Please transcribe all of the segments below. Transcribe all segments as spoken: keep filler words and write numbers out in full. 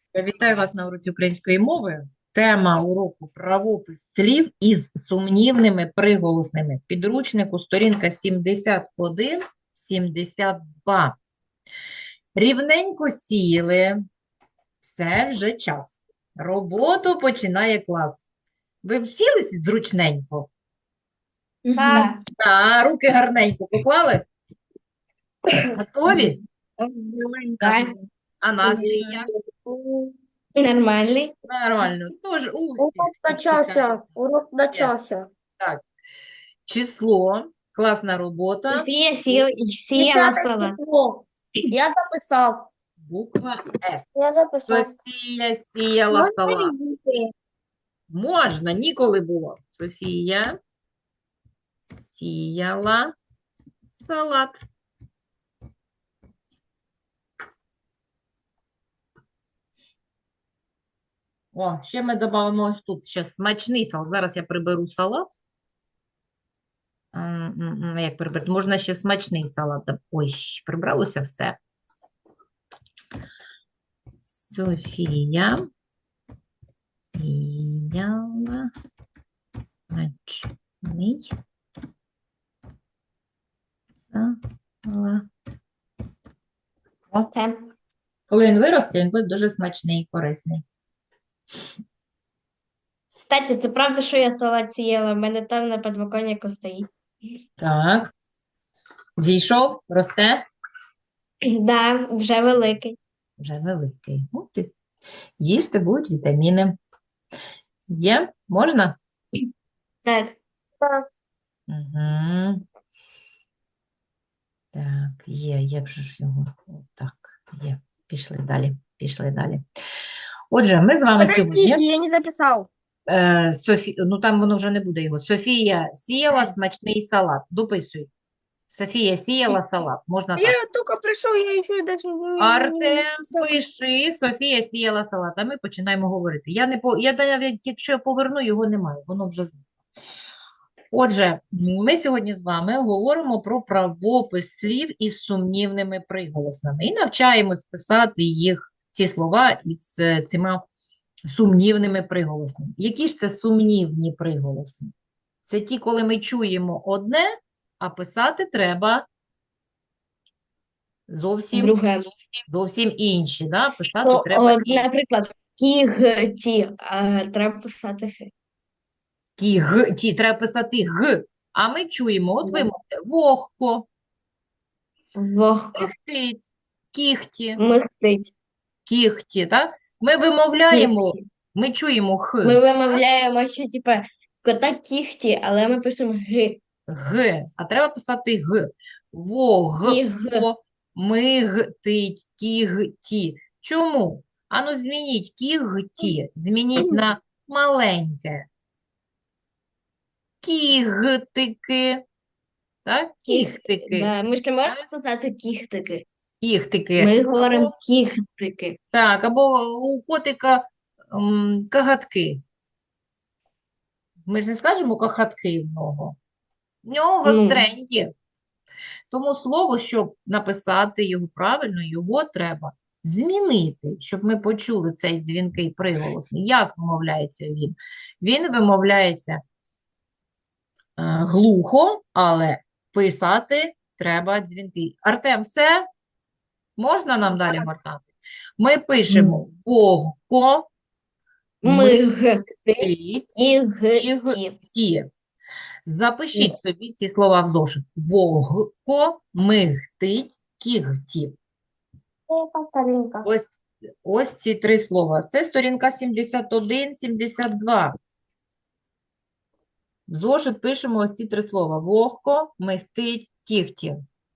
Вітаю вас на уроці української мови. Тема уроку правопис слів із сумнівними приголосними. Підручнику сторінка сімдесят один сімдесят два. Рівненько сіли, все вже час. Роботу починає клас. Ви всілись зручненько? Так. Та, руки гарненько поклали? Готові? Так. А настрій як? Нормальний. Нормально. Тож успіх Урок всіх чекає. начався. Урок начався. Так. Число, класна робота, Софія сіла, сіяла Десяте салат. число. Я записав. буква С. Я записав. Софія сіяла салат. Можна, ніколи було. Софія сіяла салат. О, ще ми додамо ось тут ще смачний салат. Зараз я приберу салат. М, м, м, Як прибрати? Можна ще смачний салат. доб- Ой, прибралося все. Софія сіяла смачний салат. О, Це. коли він виросте, він буде дуже смачний і корисний. Кстати, це правда, що я салат сіяла? У мене там на підвіконнику стоїть. Так. Зійшов, росте, Да, вже великий. вже великий. От і їжте, будуть вітаміни. Є? Можна? Так. Так. Угу. Так, є, є вже ж його. Так, є. Пішли далі, пішли далі. Отже, ми з вами сьогодні. Подождите, я не записав. Е, Софі... Ну, там воно вже не буде його. Софія сіяла смачний салат. Дописуй. Софія сіяла салат. Можна так. Я тільки прийшов, я ще даже не Артем, написав. пиши, Софія сіяла салат, а ми починаємо говорити. Я не по... я навіть, якщо я поверну, його немає, воно вже зникло. Отже, ми сьогодні з вами говоримо про правопис слів із сумнівними приголосними і навчаємось писати їх, ці слова із е, цими сумнівними приголосними. Які ж це сумнівні приголосні? Це ті, коли ми чуємо одне, а писати треба зовсім Друге. зовсім інші, да? Писати Ну, треба от, інші. наприклад, кігті, а треба писати хи. Ті, г, ті, треба писати г, а ми чуємо, от ви Да. мовите, вогко, Вогко. кихтить, кіхті, Михтить. кіхті, так? Ми вимовляємо, Кіхті. ми чуємо х, Ми вимовляємо, що, типа, кота кіхті, але ми пишемо ги. г, а треба писати г. Вогко, Кіг. мигтить, кігті. Чому? Ану, змініть кігті, змініть на маленьке. Кігтики, так? Кіхтики. Да. Ми ж не можемо сказати кіхтики. Кіхтики. Ми говоримо Або, кіхтики. так, або у котика м, кагатки. Ми ж не скажемо кагатки в нього. В нього Ну. гостренькі. Тому слово, щоб написати його правильно, його треба змінити, щоб ми почули цей дзвінкий приголосний. Як вимовляється він? Він вимовляється е, глухо, але писати треба дзвінкий. Артем, все? Можна нам далі гортати? Ми пишемо вогко, Мигти мигтить, і гті. кігті. Запишіть собі ці слова в зошит. Вогко, мигтить, кігті. Це яка сторінка? Ось, ось ці три слова. Це сторінка сімдесят один сімдесят два. В зошит пишемо ось ці три слова. Вогко, мигтить, кігті.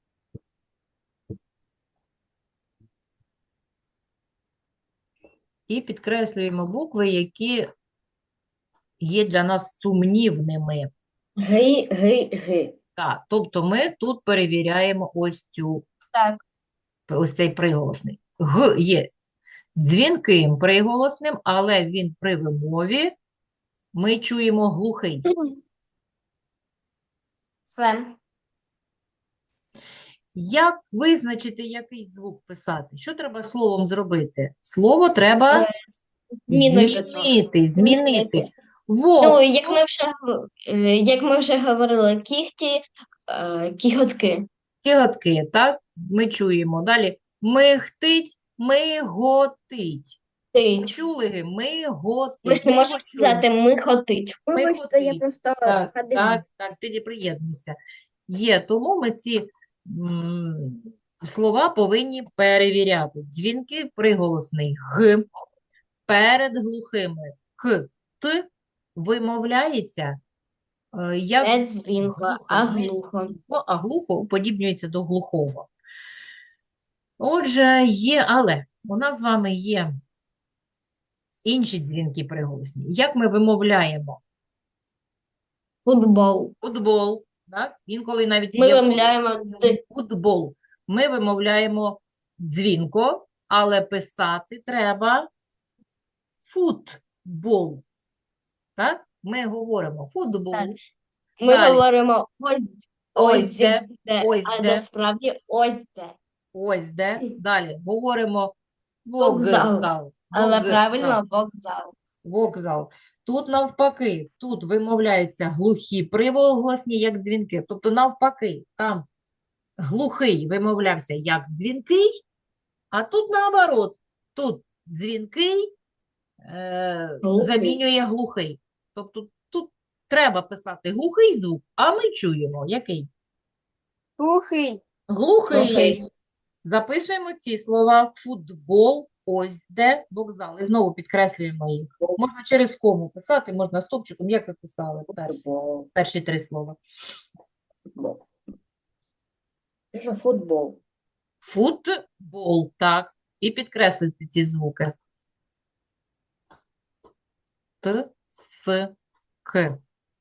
І підкреслюємо букви, які є для нас сумнівними. Ги, ги, ги. Так, тобто ми тут перевіряємо ось цю, Так. ось цей приголосний. Г є дзвінким приголосним, але він при вимові ми чуємо глухий. Все. Як визначити, який звук писати? Що треба словом зробити? Слово треба Змінити трохи. змінити, змінити. Змінити. Вовк, Ну, як ми вже, гов- е, як ми вже говорили, кіхті, е, кіготки. кіготки, так? Ми чуємо. Далі михтить, миготить. Тить. Почули? Миготить. Ви ж не Ми можете його сказати михотить. Вибачте, я Миготить. просто Так, ходив. так, так, тоді приєднуйся. Є, тому ми ці м, слова повинні перевіряти. Дзвінки приголосний г перед глухими к, т вимовляється е, як Не дзвінко, глухо, а не глухо. дзвінко, а глухо уподібнюється до глухого. Отже, є, але у нас з вами є інші дзвінки приголосні. Як ми вимовляємо Футбол. футбол, так? Інколи навіть Ми є вимовляємо д. футбол. Ми вимовляємо дзвінко, але писати треба футбол. Так? Ми говоримо футбол. Так. Ми Далі. говоримо ось, Ось ось де, де, ось а де. насправді ось де. Ось де. Далі говоримо Вокзал. вокзал. Але Вокзал. правильно вокзал. Вокзал. Тут навпаки, тут вимовляються глухі приголосні, як дзвінки. Тобто навпаки, там глухий вимовлявся як дзвінкий, а тут наоборот. Тут дзвінкий е, Глухий. замінює глухий. Тобто тут треба писати глухий звук, а ми чуємо який? Глухий. Глухий. Глухий. Записуємо ці слова футбол, ось де вокзал. І знову підкреслюємо їх. Можна через кому писати, можна стопчиком, як ви писали перші, перші три слова. Футбол. Футбол, так. І підкреслити ці звуки. Т, С, К.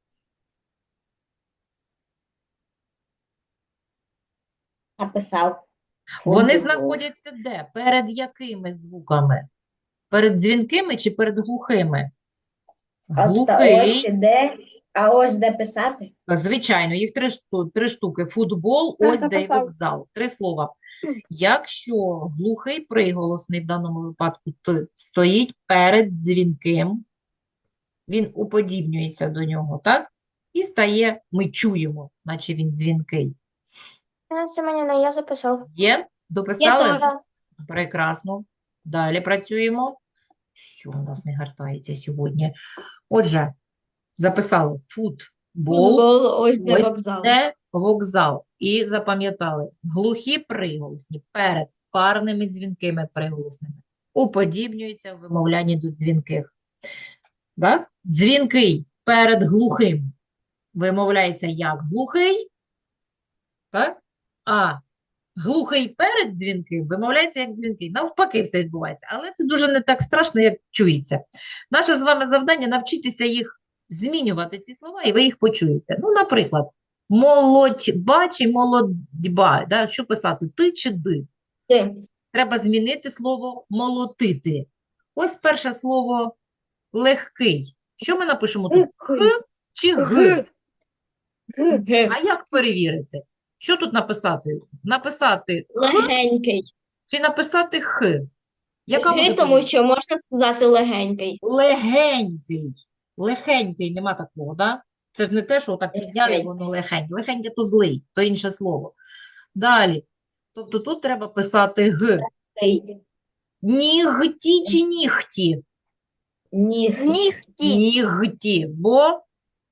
Написав. Вони знаходяться де? Перед якими звуками? Перед дзвінкими чи перед глухими? Глухий. де, а ось де писати. Звичайно, їх три, шту- три штуки. Футбол, Так, ось де й написав. вокзал. Три слова. Якщо глухий приголосний в даному випадку «т» стоїть перед дзвінким, він уподібнюється до нього, так? І стає, ми чуємо, наче він дзвінкий. Семенівна, я записав. Є? Дописали? теж. Прекрасно. Далі працюємо. Що у нас не гартається сьогодні? Отже, записали футбол. Футбол, ось де Ось вокзал. де вокзал. І запам'ятали, глухі приголосні перед парними дзвінкими приголосними уподібнюються в вимовлянні до дзвінких. Да? Дзвінкий перед глухим вимовляється як глухий, так? А глухий перед дзвінким вимовляється як дзвінкий. Навпаки все відбувається. Але це дуже не так страшно, як чується. Наше з вами завдання навчитися їх змінювати, ці слова, і ви їх почуєте. Ну, наприклад, молодьба чи молодьба. Да? Що писати? Ти чи ди? Ти. Треба змінити слово молотити. Ось перше слово легкий. Що ми напишемо тут? Х чи г? Г. А як перевірити? Що тут написати? Написати х Легенький. чи написати х? Яка буде Г, тому помилка? що можна сказати легенький. Легенький. Легенький, нема такого, да? Це ж не те, що так підняв і Легенький. воно легеньке. Легеньке то злий, то інше слово. Далі. Тобто тут треба писати г. Цей. Нігті чи нігті? Ніг. Нігті. Нігті. Бо?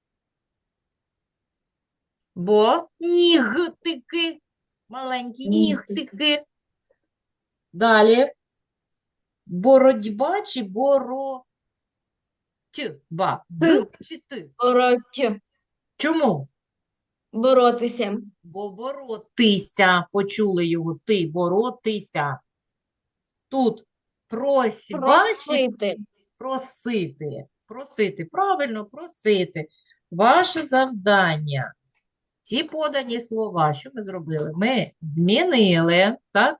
Бо нігтики. Маленькі Нігтики. нігтики. Далі. Боротьба чи боротьба? Д чи ти? Бороть. Чому? Боротися. Бо боротися. Почули його. Ти боротися. Тут просьба чи Просити. просити. Просити. Правильно, просити. Ваше завдання. Ті подані слова, що ми зробили? Ми змінили, так?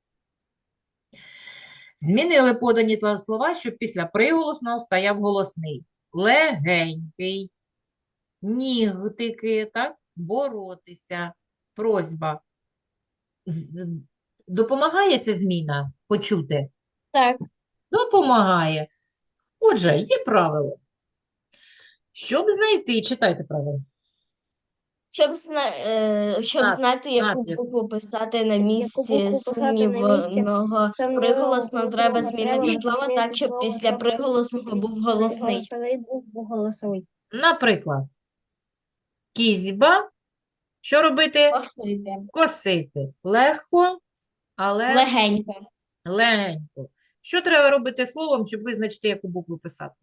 Змінили подані тла- слова, щоб після приголосного стояв голосний. Легенький, нігтики, так? Боротися, просьба. З- Допомагає ця зміна почути? Так. Допомагає. Отже, є правило. Щоб знайти, читайте правило. Щоб, зна... е, щоб Так, знати, яку знати. букву писати на Яку місці букву писати на місці сумнівного сумнівного приголосного, треба приголосного змінити треба слово змінити так, щоб слово після так, приголосного був голосний. Голосовий був голосовий. Наприклад, кізьба. Що робити? Косити. Косити. Легко, але Легенько. легенько. Що треба робити словом, щоб визначити, яку букву писати?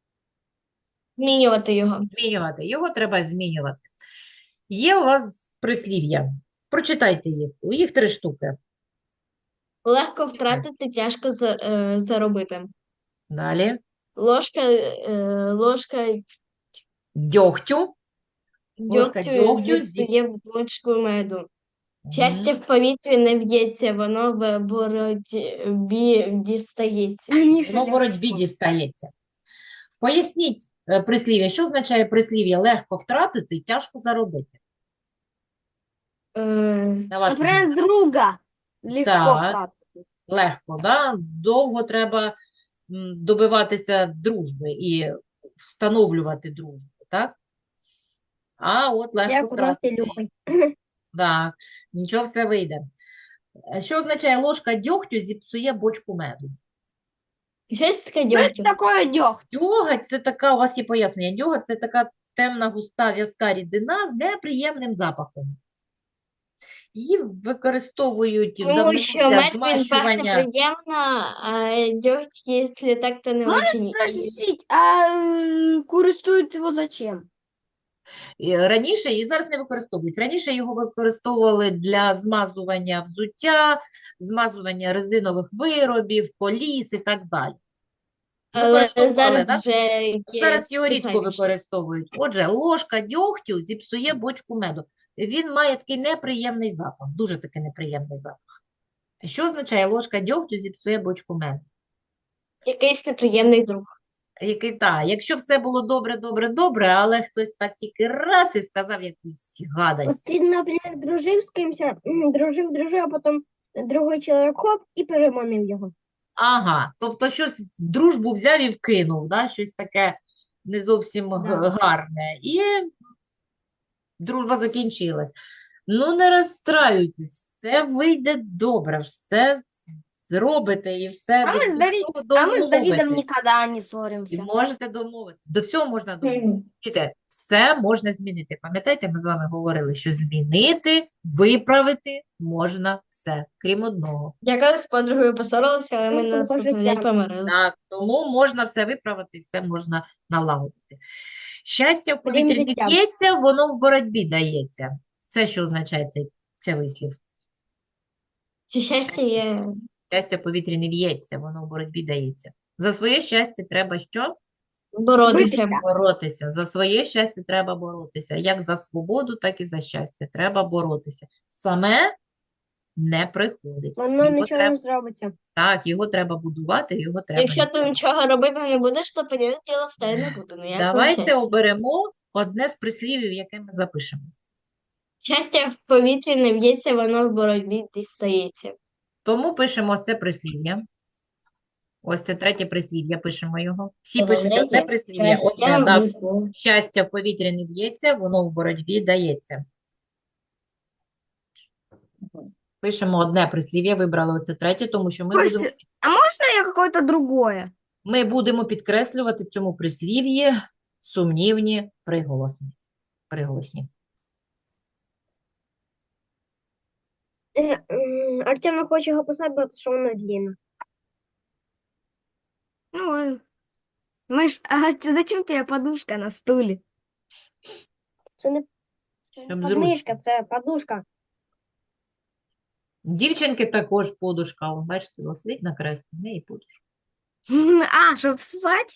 Змінювати його. Змінювати. Його треба змінювати. Є у вас прислів'я. Прочитайте їх. У їх три штуки. Легко втратити, тяжко за- е, заробити. Далі. Ложка, е, ложка Дьогтю. Ложка дьогтю дьогтю зі- зіпсує бочку меду. Мгм. Щастя в повітрі не в'ється, воно в боротьбі дістається. Воно в боротьбі дістається. Поясніть е, прислів'я. Що означає прислів'я легко втратити, тяжко заробити? Е, На вашу думку. Наприклад, друга легко Так. втратити. Легко, да? Довго треба м, добиватися дружби і встановлювати дружбу, так? А от легко Як у нас втратити. Ілюхою. Так, нічого, все вийде. Е, Що означає ложка дьогтю зіпсує бочку меду? Щось таке Що дьогтю. таке дьогть? Дьоготь – це така, у вас є пояснення, дьоготь – це така темна, густа, в'язка рідина з неприємним запахом. Її використовують в Тому давнину що для мед він пахне змащування. приємно, а дьогть, якщо так, то не очень. І Спросить, а м, користуються його зачем? І Раніше, і зараз не використовують. Раніше його використовували для змазування взуття, змазування резинових виробів, коліс і так далі. Але Використовували, зараз да? вже є Зараз його рідко спеціальніше. використовують. Отже, ложка дьогтю зіпсує бочку меду. Він має такий неприємний запах, дуже такий неприємний запах. Що означає ложка дьогтю зіпсує бочку меду? Якийсь неприємний друг. Який, та, якщо все було добре, добре, добре, але хтось так тільки раз і сказав якусь гадость. Ти, наприклад, дружив з кимось, м, дружив, дружив, а потім другий чоловік хоп і переманив його. Ага, тобто щось в дружбу взяв і вкинув, да? Щось таке не зовсім г- Да. гарне. І дружба закінчилась. Ну, не розстраюйтесь, все вийде добре, все зробите і все А до ми з всього Дарі- А мы с Давидом домовитесь. никогда не І ссоримся. можете домовитися. До всього можна домовитися. Чуєте, все можна змінити. Пам'ятаєте, ми з вами говорили, що змінити, виправити можна все, крім одного. Я колись з подругою поссорилася, але ми Ну, на наступний життя. день помирилися. Так, тому можна все виправити, все можна налагодити. Щастя в Крім повітрі не життя. б'ється, воно в боротьбі дається. Це що означає цей, цей вислів? Чи щастя є? Щастя в повітрі не в'ється, воно в боротьбі дається. За своє щастя треба що? Боротися. Боротися. За своє щастя треба боротися. Як за свободу, так і за щастя. Треба боротися. Саме не приходить. Воно Його нічого треба, не зробиться. так, його треба будувати, його треба. Якщо ти нічого робити не будеш, то понятне діло в тебе не буде ніякого Давайте щастя. оберемо одне з прислівів, яке ми запишемо. Щастя в повітрі не в'ється, воно в боротьбі дістається. Тому пишемо ось це прислів'я. Ось це третє прислів'я, пишемо його. Всі Добре, пишуть одне третє. прислів'я, Щастя одне, да. в- Щастя в повітрі не б'ється, воно в боротьбі дається. Пишемо одне прислів'я, вибрали оце третє, тому що ми Костя, будемо, а можно я какое-то другое? ми будемо підкреслювати в цьому прислів'ї сумнівні приголосні. Приголосні. Артем хоче його писати, бо що воно длинне. Ну, э, Миш, а зачем тебе подушка на стулі? Це не Щоб подмишка, зручно. це подушка. Дівчинки також подушка, о, бачите, лежить на кресті, в неї подушка. А, щоб спати?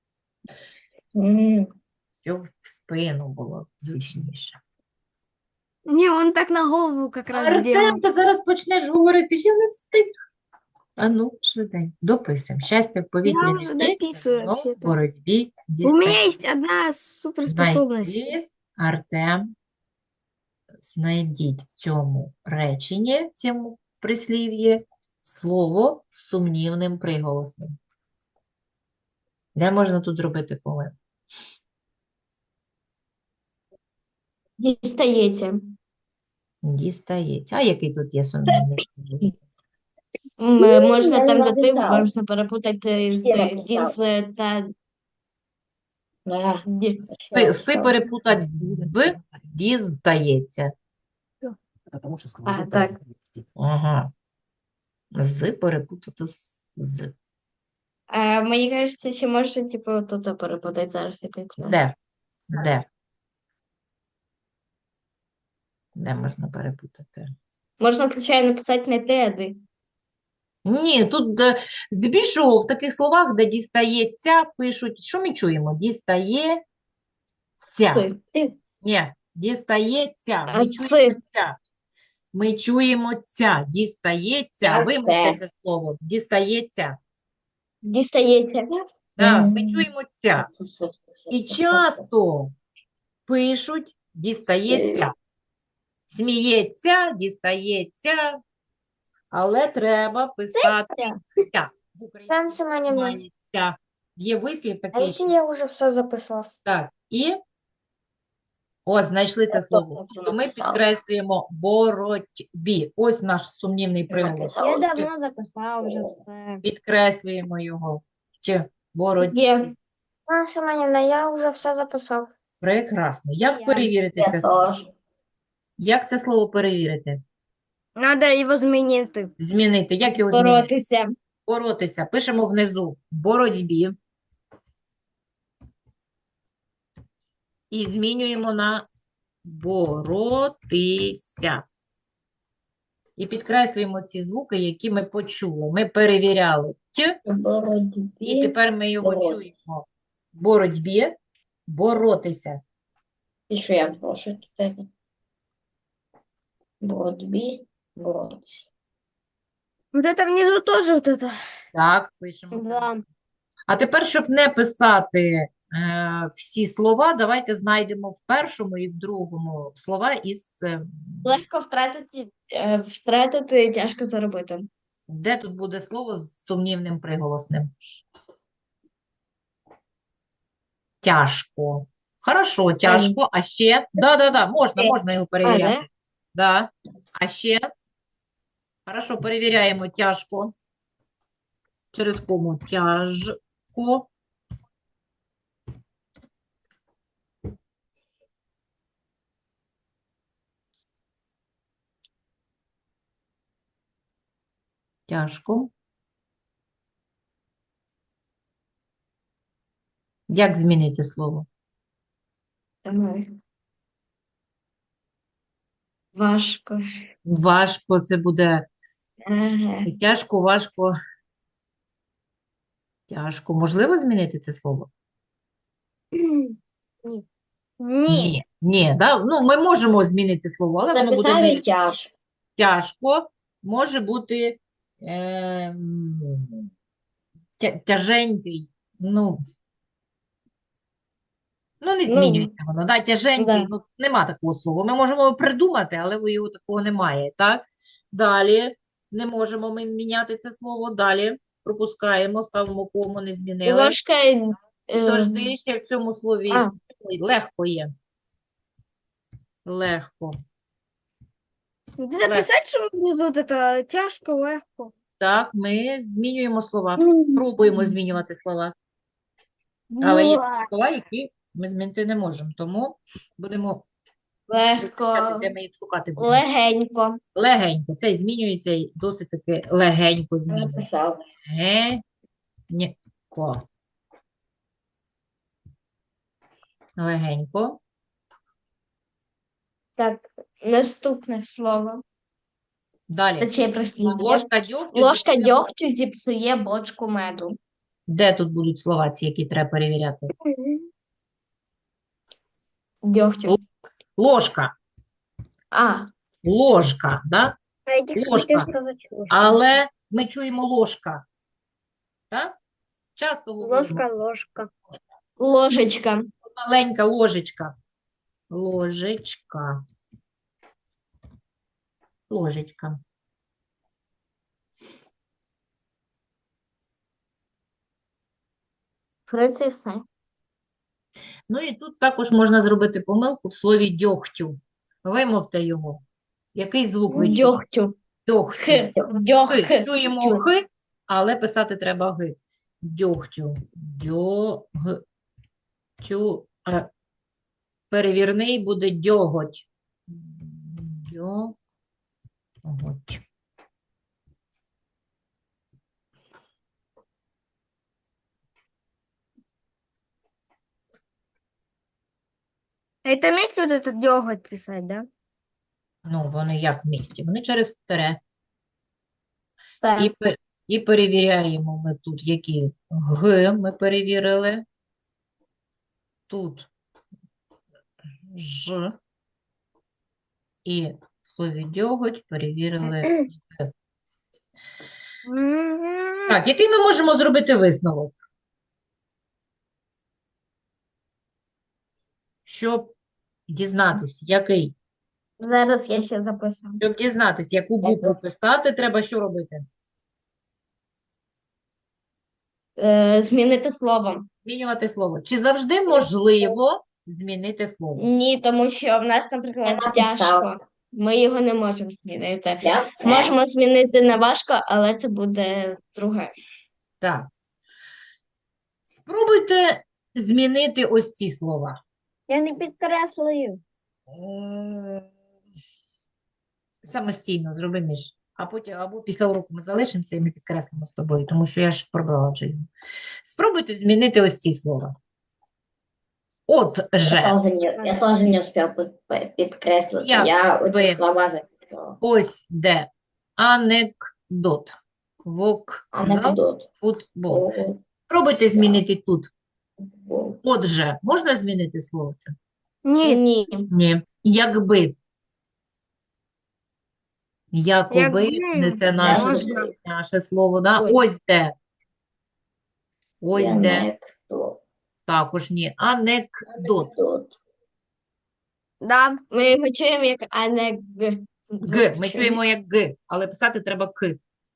М. Щоб в спину було зручніше. Ні, он так на голову как раз Артем, сделал. ти зараз почнеш говорити, що не встиг. А ну, швиденько, дописуємо. Щастя в повітрі Я не вже б'ється, дописую, воно в вообще-то. боротьбі У меня дістається. есть одна суперспособность. Знайти, Артем, знайдіть в цьому реченні, в цьому прислів'ї, слово з сумнівним приголосним. Де можна тут зробити помилку? Дістається. Дістається. А який тут є сумнівний приголосний? М, Можна я там, не де ти, написав. можна перепутати з Всі ди- написав. діз та Да, ді. Си, си перепутать з діздається. А, так. Ага. З перепутати з. з. А, мені кажеться, ще можна, типу, тут перепутати зараз. я пам'ятаю. Де? Де? Де можна перепутати? Можна, звичайно, писати не те, а ди. Ні, тут е, здебільшого в таких словах, де дістається, пишуть, що ми чуємо? Дістається. Си. Ні, дістається. А Ми си. чуємо ця. Ми чуємо ця. Дістається. Я Вимовте все. це слово. Дістається. Дістається. Так, ми Мгм. чуємо ця. І часто пишуть дістається. Сміється, дістається, але треба писати ця. В Україні Там Семенівна. немає ця. Є вислів А такий, якщо що я вже все записав? так. І ось знайшли це Я слово. теж То ми написала. підкреслюємо боротьбі. Ось наш сумнівний приголос. написала. Я давно записав вже все. Підкреслюємо його. Чи боротьбі. Є. А, Семенівна, я вже все записав. Прекрасно. Як Я- перевірити Я це слово? теж. Як це слово перевірити? Надо його змінити. Змінити. Як його змінити? Боротися. Боротися. Пишемо внизу боротьбі. І змінюємо на боротися. І підкреслюємо ці звуки, які ми почули. Ми перевіряли т, В боротьбі. і тепер ми його боротися. чуємо. Боротьбі, боротися. І що я прошу тут? Боротьбі, боротися. Вот это внизу тоже вот это. Так, пишемо. це. Да. А тепер, щоб не писати е, всі слова, давайте знайдемо в першому і в другому слова із е, Легко втратити, е, втратити, тяжко заробити. де тут буде слово з сумнівним приголосним. Тяжко. Хорошо, тяжко. А ще? Да-да-да, можна, можна його А, перевіряти. да? Да. А ще? Хорошо, перевіряємо тяжко. Через кому тяжко. Тяжко. Як змінити слово? Ага. Важко. Важко, це буде Ага. тяжко, важко. Тяжко. Можливо змінити це слово? Ні. Ні. Ні, да? Ну, ми можемо змінити слово, але воно буде Написали не тяжко. тяжко. Може бути ем, тя- тяженький. Ну, ну, не Ну, змінюється воно. Да? Тяженький, да. ну, нема такого слова. Ми можемо його придумати, але ви його такого немає. Так? Далі не можемо ми міняти це слово. Далі пропускаємо, ставимо кому, не змінили. Ложка. е, Підожди, ще в цьому слові а. Ой, легко є. Легко. Де написати, що внизу вот это тяжко, легко. Так, ми змінюємо слова. Пробуємо змінювати слова. Але є такі слова, які ми змінити не можемо. Тому будемо Легко. вивчати, де ми їх шукати будемо. Легенько. Легенько. Це змінюється і досить таки легенько змінюється. Написав. Легенько. Легенько. Так, наступне слово. Далі. Точніше, прислів'я. Ложка дьогтю. Ложка зіпсує- дьогтю зіпсує бочку меду. Де тут будуть слова ці, які треба перевіряти? Дьогтю. Ложка. А, Ложка, да? А я тільки Ложка. хотів сказати ложка. Але ми чуємо ложка. Так? Часто говоримо. Ложка, ложка. ложечка. Маленька ложечка. Ложечка. ложечка. В принципі, все. Ну і тут також можна зробити помилку в слові дьогтю. Вимовте його. Який звук ви чуєте? Дьогтю. Дьогтю. Х. Дьох. Хи. Чуємо х, але писати треба г. Дьогтю. Дьогтю. А перевірний буде дьоготь. Дьоготь. Это вместе вот этот дёготь писать, да? Ну, вони як в місті? Вони через тире. І, Так. пе- і перевіряємо ми тут, які г ми перевірили. Тут ж. І в слові дьоготь перевірили г. М. Так, який ми можемо зробити висновок? Щоб дізнатися, який? Зараз я ще записую. Щоб дізнатися, яку букву писати, треба що робити? Е, змінити слово. Змінювати слово. Чи завжди можливо змінити слово? Ні, тому що в нас, наприклад, Я написала. тяжко. Ми його не можемо змінити. Я все. Можемо змінити не важко, але це буде друге. Так. Спробуйте змінити ось ці слова. Я не підкреслюю. Е, Самостійно зроби між. А потім або після уроку ми залишимося і ми підкреслимо з тобою, тому що я ж пробрала вже його. Спробуйте змінити ось ці слова. От Я же. тоже не, я тоже не успел под- по- подкреслить. Як Я ви? эти слова записала. Ось де анекдот. Вокзал, Анекдот. футбол. О, Спробуйте змінити тут. футбол. Отже, можна змінити слово це? Ні, Ні. Ні. Якби. Якоби, Якби не це наше, можна. наше слово, да? Ой. Ось де. Ось де. Анекдот. Також ні. Анекдот. Анекдот. да. Ми його чуємо як анег. Г. Ми чуємо як Г, але писати треба К.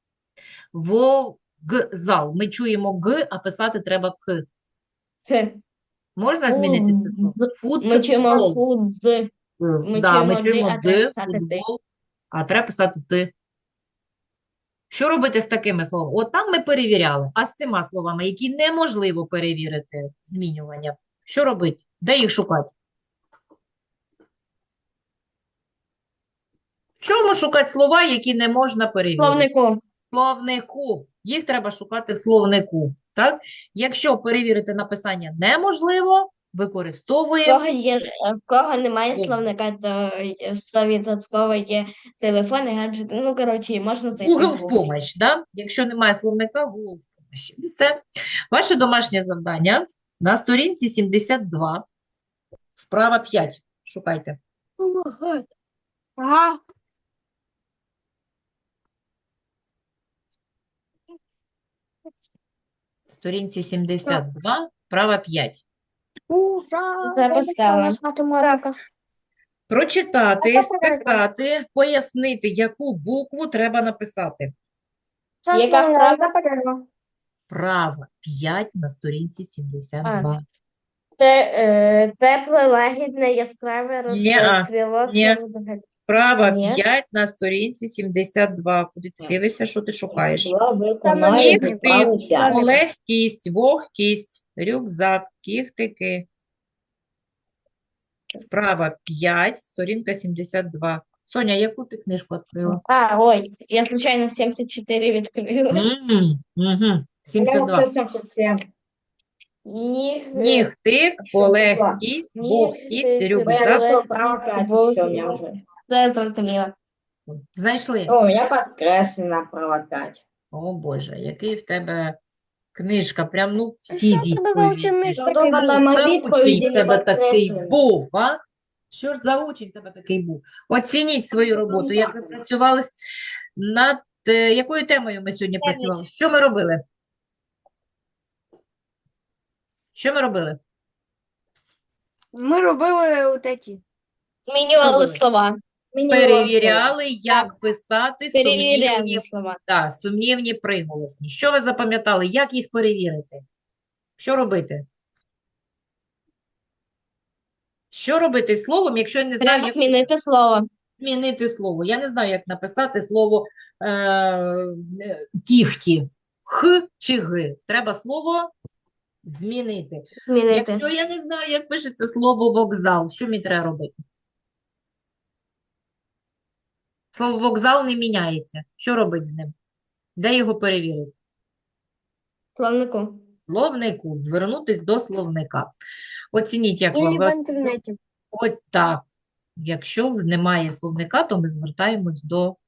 Вокзал. Ми чуємо Г, а писати треба К. Х. Можна змінити це слово? Ми чуємо Футбол. фудз. Е, Ми да, ми чуємо «ди», чуємо а треба «д», писати «ти». футбол, а треба писати «ти». Що робити з такими словами? От там ми перевіряли, а з цими словами, які неможливо перевірити змінювання, що робити? Де їх шукати? В чому шукати слова, які не можна перевірити? Словнику. Словнику. Їх треба шукати в словнику. Так? Якщо перевірити написання неможливо, В використовуємо кого є, в кого немає О. словника, то в стовідсотково є телефон і гаджети. Ну, коротше, можна зайти Google в в Google. помощь, да? Якщо немає словника, Google в помощь. І все. Ваше домашнє завдання на сторінці сімдесят два, вправа п'ять. Шукайте. Ага. Сторінці сімдесят два, вправа п'ять. Записала. Математика. Прочитати, списати, пояснити, яку букву треба написати. Яка вправа? Вправа п'ять на сторінці сімдесят два. Те, е, тепле, лагідне, яскраве, Ні-а, розцвіло, ні. слово. Вправа Ні. п'ять на сторінці сімдесят два. Куди ти дивишся, що ти шукаєш? Слова Там виконали Кіхти, вправу п'ять. легкість, вогкість, рюкзак, кіхтики. Вправа п'ять, сторінка сімдесят два. Соня, яку ти книжку відкрила? А, ой, я случайно сімдесят чотири відкрила. М, мгм, сімдесят два. Я семьдесят семь. Ніг, Нігтик, полегкість, Ні, вогкість, ти- Я рюкзак. нашел право Легкість, пять, бог. всё, у меня уже. це зрозуміло. Знайшли? О, у меня подкреслено право пять. О, Боже, який в тебе книжка, прям, ну, всі відповіді. вчений Що такий за був? Там учень відповіді в тебе не такий підкреслені. був, а? Що ж за учень в тебе такий був? Оцініть свою роботу, як ви працювали над е, якою темою ми сьогодні працювали? Що ми робили? Що ми робили? Ми робили от эти. Змінювали Робили. слова. перевіряли, як писати Перевіряємо сумнівні, слова. да, сумнівні приголосні. Що ви запам'ятали? Як їх перевірити? Що робити? Що робити з словом, якщо я не знаю, Треба як змінити слово. змінити слово? Я не знаю, як написати слово е, е, кіхті. Х чи г. Треба слово змінити. Змінити. Якщо я не знаю, як пишеться слово вокзал, що мені треба робити? Слово вокзал не міняється. Що робити з ним? Де його перевірити? Словнику. Словнику. Звернутись до словника. Оцініть, як вам. Или в интернете. От так. Якщо немає словника, то ми звертаємось до